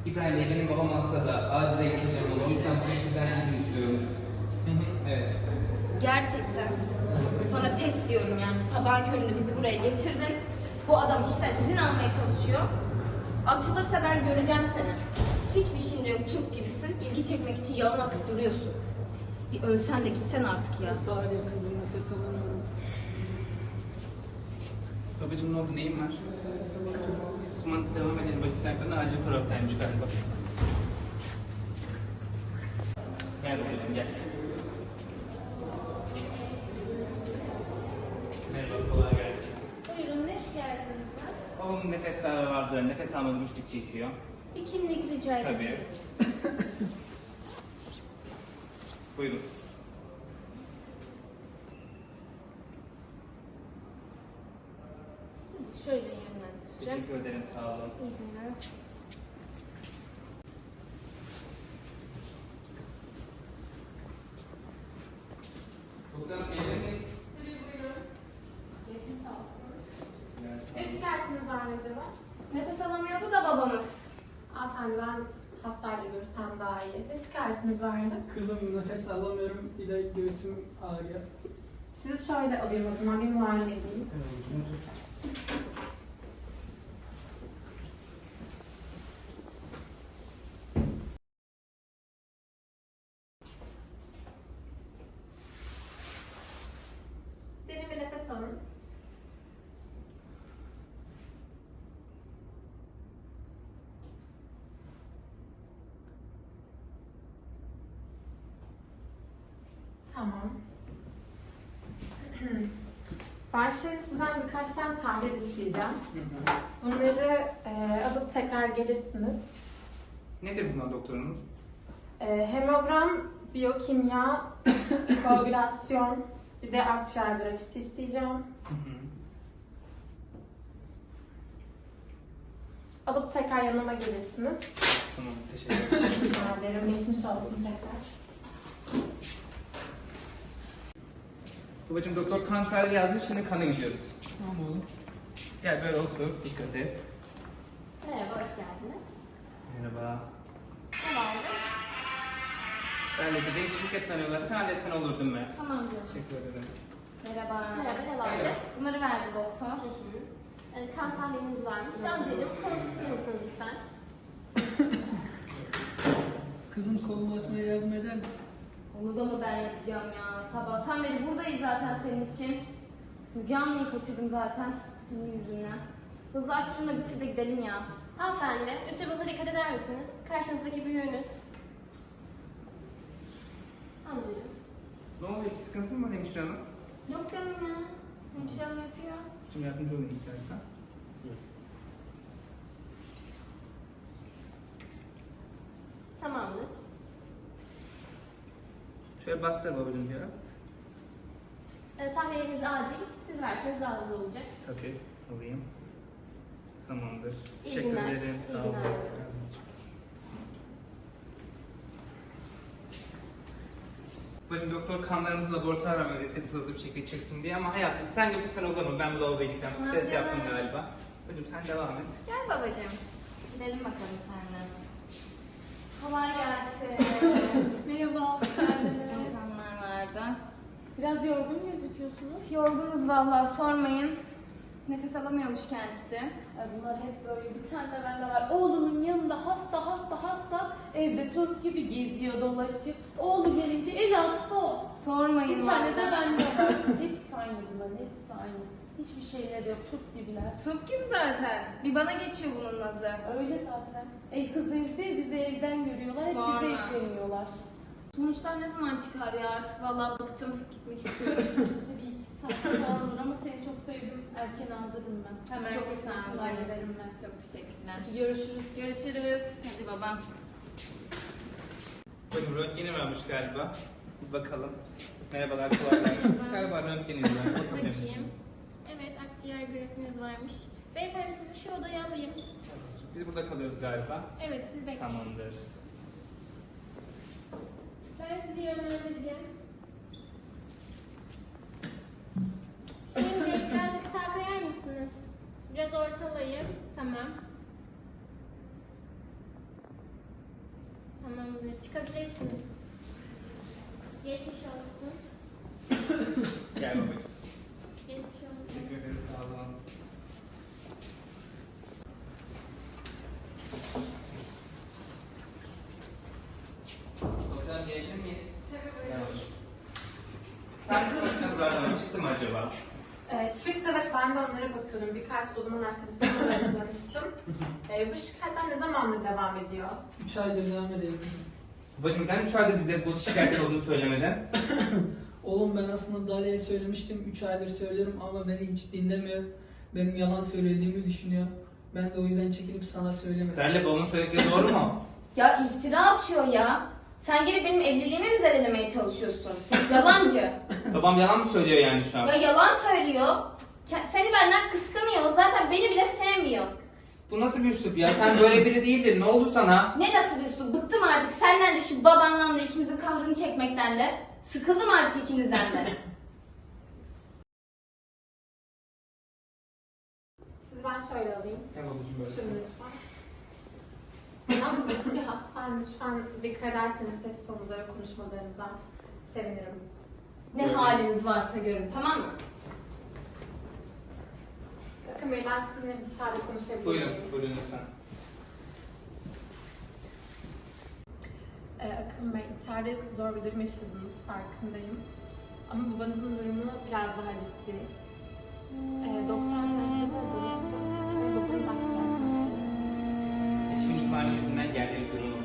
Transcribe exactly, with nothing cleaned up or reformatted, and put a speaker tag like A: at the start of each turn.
A: İbrahim Bey, benim babam hasta da acile gideceğim onu. O yüzden bu işten izin istiyorum. Hı hı, evet.
B: Gerçekten. Sana pes diyorum yani. Sabahın köründe bizi buraya getirdin. Bu adam işten izin almaya çalışıyor. Atılırsa ben göreceğim seni. Hiçbir şeyin yok, Türk gibisin. İlgi çekmek için yalan atıp duruyorsun. Bir ölsen de gitsen artık ya.
C: Saniye kızım, nefes alamıyorum.
A: Babacığım ne oldu, neyin var?
C: Nefes alamıyorum.
A: O zaman devam edelim. Vakitlerden acil taraftaymış galiba. Gel babacığım, gel. Merhaba, kolay gelsin.
B: Buyurun, ne şikayetiniz var?
A: Babamın nefes darlığı vardı, nefes almadı, güçlük çekiyor.
B: Bir kimlik rica ederim.
A: Tabii. Buyurun.
B: Sizi şöyle yönlendireceğim.
A: Teşekkür ederim, sağ olun.
B: İyi günler.
A: Doktorum, çevirir miyiz?
D: Tabii buyurun. Geçmiş olsun. Ne şikayetiniz var acaba?
B: Nefes alamıyordu da babamız.
D: Hanımefendi ben hastayla görürsem daha iyi. Ne şikayetiniz vardı?
C: Kızım, nefes alamıyorum. Bir de göğsüm ağrıyor.
D: Sizi şöyle alayım o zaman bir muayene edeyim. Derin bir nefes alın. Tamam. Ben şimdi sizden birkaç tane tahlil isteyeceğim. Bunları e, alıp tekrar gelirsiniz.
A: Nedir bunlar doktorum?
D: E, hemogram, biyokimya, koagülasyon, bir de akciğer grafisi isteyeceğim.
A: Hı hı.
D: Alıp tekrar yanıma gelirsiniz.
A: Tamam, teşekkür ederim.
D: Rica ederim. Geçmiş olsun tekrar.
A: Babacığım doktor kan tarihi yazmış, şimdi kana gidiyoruz.
C: Tamam oğlum.
A: Gel böyle otur, dikkat et.
B: Merhaba, hoş geldiniz.
A: Merhaba.
B: Ne vardı?
A: Benle de değişiklik etmemiyorlar. Sen halletsen olur değil mi?
B: Tamam canım.
A: Teşekkür ederim.
B: Merhaba.
E: Merhaba, ne vardı?
A: Merhaba.
B: Bunları verdi doktor.
E: Yani kan tahliliniz varmış. Amcacığım, konu ister misiniz lütfen?
C: Kızım, kolum açmaya yardım eder misin?
B: Onu da mı ben yapacağım ya? Sabahtan beri buradayız zaten senin için. Müge Anlı'yı kaçırdım zaten senin yüzünden. Hızlı aç şunu da bitir de gidelim ya.
E: Hanımefendi, üslubunuza dikkat eder misiniz? Karşınızdaki büyüğünüz. Amcacığım.
A: Ne oluyor? Bir sıkıntı mı var hemşire hanım?
B: Yok canım ya. Hemşire hanım yapıyor.
A: Şimdi yardımcı olayım istersen.
E: Tamamdır.
A: Şöyle bastır babacığım biraz.
E: E, tahliyeniz acil. Siz verseniz daha hızlı olacak.
A: Tabii, alayım. Tamamdır.
E: İyi
A: Teşekkür
E: günler.
A: ederim.
E: İyi
A: Sağ olun.
E: günler.
A: Babacığım doktor kanlarımızı laboratuvara vermedi istedi hızlı bir şekilde çeksin diye ama hayatım sen götürsen olur mu? Ben bu lavaboya gideceğim. Stres
B: Hadi
A: yaptım
B: canım.
A: galiba. Babacığım sen devam et.
B: Gel babacığım. Gidelim bakalım seninle. Kolay gelsin.
D: Merhaba, hoş geldiniz.
B: İnsanlar vardı.
D: Biraz yorgun gözüküyorsunuz.
B: Yorgunuz vallahi sormayın. Nefes alamıyormuş kendisi.
F: Ay bunlar hep böyle, bir tane de bende var. Oğlunun yanında hasta hasta hasta, evde Türk gibi geziyor dolaşıyor. Oğlu gelince en hasta o.
B: Sormayın
F: Bir tane de
B: vallahi.
F: bende var. Hepsi aynı bunların, hepsi aynı. Hiçbir şeyleri yok, Türk gibiler.
B: Tut gibi zaten. Bir bana geçiyor bunun nazı.
F: Öyle zaten. El kızıyız diye bizi evden görüyorlar, hep
B: Sonra.
F: bize yükleniyorlar.
B: Sonuçlar ne zaman çıkar ya? Artık vallahi bıktım. Gitmek istiyorum.
F: Bir iki saat falan olur ama seni çok sevdim. Erken aldırırım ben. Hemen
B: Çok
F: yurt
B: sağ ol
F: dışına
B: canım.
F: giderim ben.
B: Çok teşekkürler.
F: Görüşürüz.
B: Görüşürüz. Hadi babam.
A: Babacığım röntgeni varmış galiba. Bir bakalım. Merhabalar, kolay gelsin. Galiba röntgeniniz var. Bakabilir
E: Bakayım.
A: misiniz?
E: Evet, akciğer grafiniz varmış. Beyefendi sizi şu odaya alayım.
A: Biz burada kalıyoruz galiba.
E: Evet, siz bekleyin.
A: Tamamdır.
E: Ben sizi yönlendireceğim. Şimdi birazcık sağ kayar mısınız? Biraz ortalayın. Tamam. Tamamdır. Çıkabilirsiniz. Geçmiş olsun.
A: Gel babacığım.
E: Geçmiş olsun.
A: Teşekkür ederiz. Sağ olun. Doktor gelebilir miyiz?
D: Tabii
A: Merhaba. Ben bir başınız var ama çıktı mı acaba?
D: Ee, çıktı, evet, ben de onlara bakıyordum. Birkaç uzman arkadaşımla danıştım. Ee, bu şikayetler ne zamandır devam ediyor?
C: üç aydır devam edelim.
A: Babacığım neden üç aydır bize bu şikayetler olduğunu söylemeden?
C: Oğlum ben aslında Dalia'ya söylemiştim. üç aydır söylüyorum ama beni hiç dinlemiyor. Benim yalan söylediğimi düşünüyor. Ben de o yüzden çekilip sana söylemedim.
A: Derle babamın söyledikleri doğru mu?
B: Ya iftira atıyor ya. Sen gelip benim evliliğimi mi zedelemeye çalışıyorsun? Yalancı.
A: Babam yalan mı söylüyor yani şu an?
B: Ya yalan söylüyor. Ke- Seni benden kıskanıyor. Zaten beni bile sevmiyor.
A: Bu nasıl bir üslup ya? Sen böyle biri değildin. Ne oldu sana?
B: Ne nasıl bir su? Bıktım artık senden de şu babandan da ikinizin kahrını çekmekten de. Sıkıldım artık ikinizden de.
D: Sizi ben şöyle alayım.
A: Gel babacığım böyle.
D: Şöyle lütfen. Yalnız burası bir hastane. Lütfen dikkat ederseniz ses tonunuza ve konuşmalarınıza sevinirim.
B: Ne haliniz varsa görün, tamam mı?
D: Bakın Bey, ben sizinle dışarıda konuşabilir miyim?
A: Buyurun, buyurun lütfen.
D: Ee, Akın Bey, içeride zor bir durum yaşadınız, farkındayım. Ama babanızın durumu biraz daha ciddi. Ee, doktor arkadaşlarımla danıştım ve babanız akciğer kanseri.
A: Eşimin ihmali yüzünden geldiği bir durum